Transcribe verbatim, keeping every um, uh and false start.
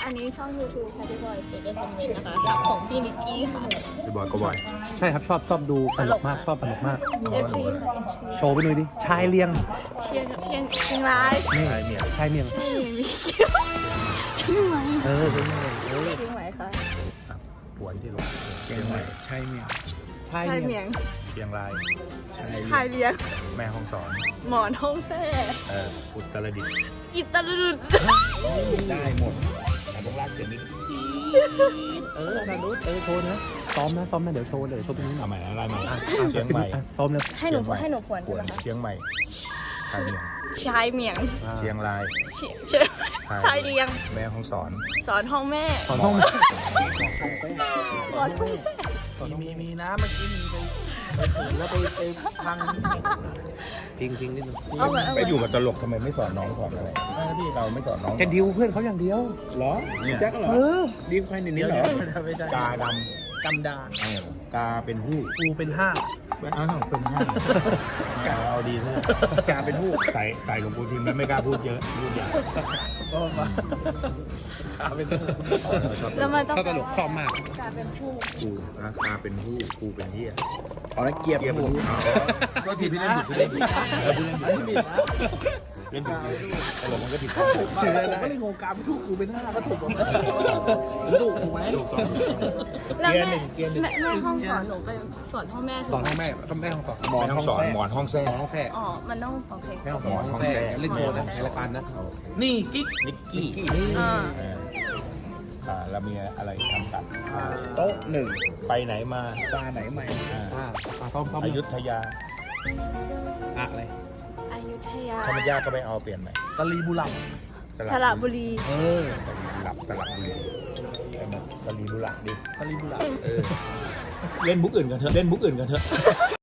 อันนี้ช่อง ยูทูบ ค่ะพี่บอยเจเจคอมเมนต์นะคะรักของพี่นิกกี้ค่ะพี่บอยก็บ่อยใช่ครับชอบชอบดูตลกมากชอบตลกมากเอฟซีค่ะโชว์ไปหน่อยดิชายเลียงเชียงเชียงเชียงรายนี่ชายเมียชายเมียงเชียงมีเกี่ยวเชียงใหม่เออเป็นไงเออเชียงใหม่ค่ะป่วยที่ลงเชียงใหม่ชายเมียชายชายเมีเมียยงงเชียงรายชายชายเลียงแม่ห้องสอนหมอนห้องแท้เอออุตรดิตถ์อิตาลีได้หมดแต่ต้องลากเสียงนิดเออนารุเออโชว์นะซ้อมนะซ้อมนะเดี๋ยวโชว์เดี๋ยวโชว์ตรงนี้เอาใหม่อะไรใหม่อ่ะเชียงใหม่อ่ะซ้อมเลยให้หนูให้หนูผวนปวดใช่ไหมคะเชียงใหม่ชายเมียงชายเมียงอ่าเชียงรายเชียเชียงชายเลียงแม่ห้องสอนสอนห้องแม่ขอห้องสอนห้องแม่มีมีมีนะเมื่อกี้มีไปไปเปิดแล้วไปไปพังทิ้งทิ้งนิดนึงเอาไว้เอาไปไว้อยู่กับตลกทำไมไม่สอนน้องสอนอะไรเออพี่เราไม่สอนน้องแกดิวเพื่อนเขาอย่างเดียวเหรอเนี่ยแจ็คเหรอเออดีใครในนี้เหรอไม่ใช่กาดกำดาำเออกาเป็นหู้กูเป็นห้าอ้าวเป็นห้าเอาดีเถอะกาเป็นผู้ใส่ใส่หลวงปู่ทิมแล้วไม่กล้าพูดเยอะพูดอย่างก็มากาเป็นผู้ชอบแล้วมันต้องถ้าตลกชอบมากกลายเป็นผู้กูนะกาเป็นหู้กูเป็นเหี้ยอ๋อแล้วเกียร์เกียร์เป็นผู้หู้ก็ทีพี่เล่นผิดพี่เล่นผิดเออพี่เล่นผิดไม่ผิดนะเล่นผิดตลกมันก็ผิดผมก็เลยงงกาเป็นผู้กูเป็นห้าก็ถูกหมดแล้วถูกถูกไหมถูกต้องแล้วเกียร์แม่หนึ่งเกียร์หนึ่งแม่แม่ห้องสอนหนูไปสอนพ่อแม่สอนห้องแม่ต้องแม่ห้องสอนหมอนห้องสอนหมอนห้องแท้หมอนห้องแท้อ๋อ มันต้องโอเคแม่ห้องสอนห้องแท้เล่นโชว์นะในรายการนะนี่กิ๊กนิกกี้อ่าอ่าเรามีอะไรทำกันโต๊ะหนึ่งไปไหนมาตาไหนใหม่อ่าอ่าอ่าซ้อมซ้อมอยุธยาอ่ะอะไรอยุธยาธรรมยาก็ไปเอาเปลี่ยนใหม่สลีบุรัมสระบุรีเออสลับสลับบุรีไอ้มันสลีบุหลักดิสลีบุรัมเออเล่นบุ๊กอื่นกันเถอะเล่นบุ๊กอื่นกันเถอะ